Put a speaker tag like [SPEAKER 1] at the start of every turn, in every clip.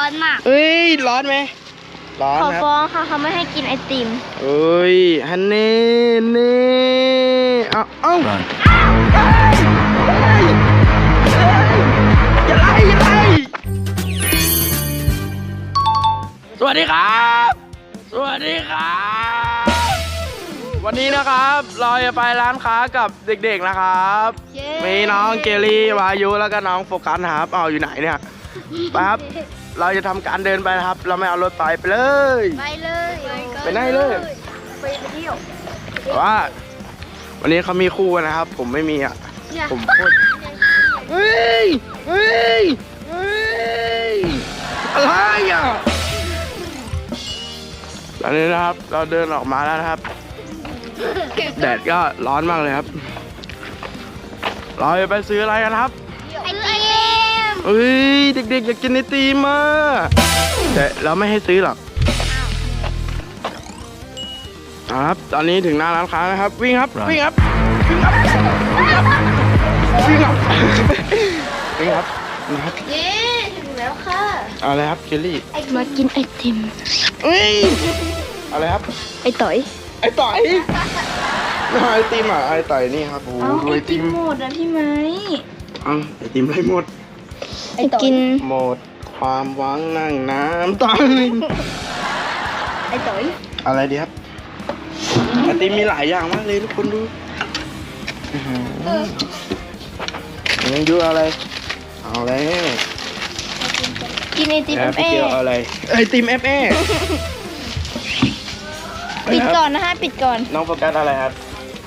[SPEAKER 1] อนมาก
[SPEAKER 2] เอ้ยร้อนไหมร้อน
[SPEAKER 1] ขอ
[SPEAKER 2] ครับ
[SPEAKER 1] ฟ้องค่ะเขาไม่ให้กินไอติม
[SPEAKER 2] เอ้ยฮันเน่เน่เอาอย่าไล่สวัสดีครับสวัสดีครับวันนี้นะครับเราจะไปร้านค้ากับเด็กๆนะครับมีน้องเกลลี่วายุแล้วก็น้องโฟกัสนะครับเอาอยู่ไหนเนี่ยไปครับเราจะทำการเดินไปนะครับเราไม่เอารถไปเลย
[SPEAKER 1] ไปเลย
[SPEAKER 2] ไปไหนเลย
[SPEAKER 1] ไปเที่ยว
[SPEAKER 2] แต่ว่าวันนี้เขามีคู่กันนะครับ ผมไม่มีอ่ะผมโคตรเฮ้ยอะไรอ่ะตอนนี้นะครับเราเดินออกมาแล้วนะครับแดดก็ร้อนมากเลยครับเราจะไปซื้ออะไรกันครับ
[SPEAKER 1] ไอติม
[SPEAKER 2] เฮ้ยเด็กๆอยากกินไอติมอ่ะแต่เราไม่ให้ซื้อหรอกครับตอนนี้ถึงหน้าร้านค้านะครับวิ่งครับนะครับ
[SPEAKER 1] เย้ถึงแล้วค่ะ
[SPEAKER 2] เอาเลยครับเจลลี่
[SPEAKER 1] มากินไอติม
[SPEAKER 2] เอ้ยเอาเลยครับ
[SPEAKER 1] ไอต่อย
[SPEAKER 2] ไอต่อยไอติมอ่ะไอต่อยนี่ครับโอ้โหดูไอติม
[SPEAKER 1] หมดนะพี่ไหม
[SPEAKER 2] ไอติมไรหมด
[SPEAKER 1] ไอกิน
[SPEAKER 2] หมดความหวังนั่งน้ำตาย
[SPEAKER 1] ไอต่อย
[SPEAKER 2] อะไรดีครับไอติมมีหลายอย่างมากเลยทุกคนดูยังดูอะไรเอาเลย
[SPEAKER 1] กินไอติม
[SPEAKER 2] พี่เกียวเอาอะไรไอติมFA
[SPEAKER 1] ปิดก่อนนะคะปิดก่อน
[SPEAKER 2] น้องโฟกัสอะไรครับ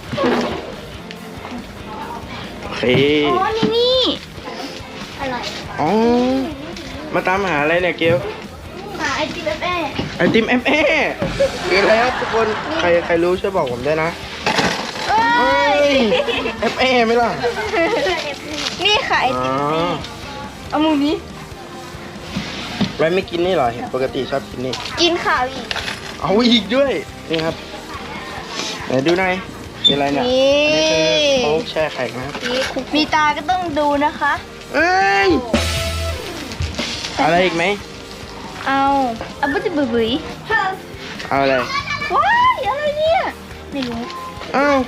[SPEAKER 2] โอเค
[SPEAKER 1] อ๋อนี่อร่อย
[SPEAKER 2] อ๋อมาตามหาอะไรเนี่ยเกียว
[SPEAKER 1] หาไอติมเอฟเอ
[SPEAKER 2] ไอติมFA คืออะไรครับทุกคนใครรู้ช่วยบอกผมด้วยนะ
[SPEAKER 1] เอ้ย
[SPEAKER 2] FA ไหมล่ะ
[SPEAKER 1] นี่ค่ะไอติมเอามือนี้
[SPEAKER 2] ไว้ไม่กินนี่เหรอเห็นปกติชอบกินนี่
[SPEAKER 1] กินข่าวอีก
[SPEAKER 2] เอาอีกด้วยนี่ครับไหนดูหน่อยมีอะไรเนี่ย
[SPEAKER 1] นี่
[SPEAKER 2] อันนี้คือโค้กแช่แข็งนะครับ
[SPEAKER 1] มีตาก็ต้องดูนะคะ
[SPEAKER 2] เอ้ยอะไรอีกไหม
[SPEAKER 1] เอาบุ้ยบุ๋ย
[SPEAKER 2] เอาอะไร
[SPEAKER 1] ว้ายอะไรเนี่ยไม่รู้
[SPEAKER 2] อ้าว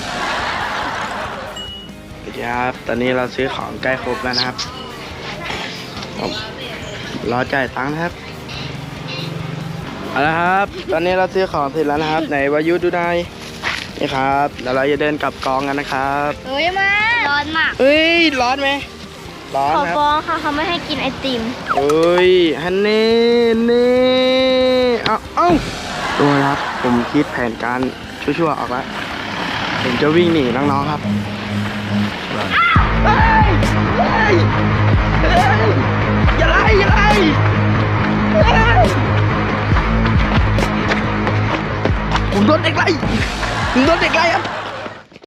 [SPEAKER 2] ครับตอนนี้เราซื้อของใกล้ครบแล้วนะครับผมรอจ่ายตังค์นะครับเอาละครับ ตอนนี้เราซื้อของเสร็จแล้วนะครับไหนวายุดูหน่อยนี่ครับแล้วเราจะเดินกลับกองกันนะครับ
[SPEAKER 1] เอ้ยมาร้อนมาก
[SPEAKER 2] เอ้ยร้อนไหมร้อน
[SPEAKER 1] ขอ
[SPEAKER 2] ครับ
[SPEAKER 1] ฟ้องค่ะเขาไม่ให้กินไอติม
[SPEAKER 2] เอ้ยฮันเน่เอาดูนะครับผมคิดแผนการชั่วๆออกแล้วผมจะวิ่งหนีน้องๆครับอย่าไล่ผมโดนเด็กไล่ครับ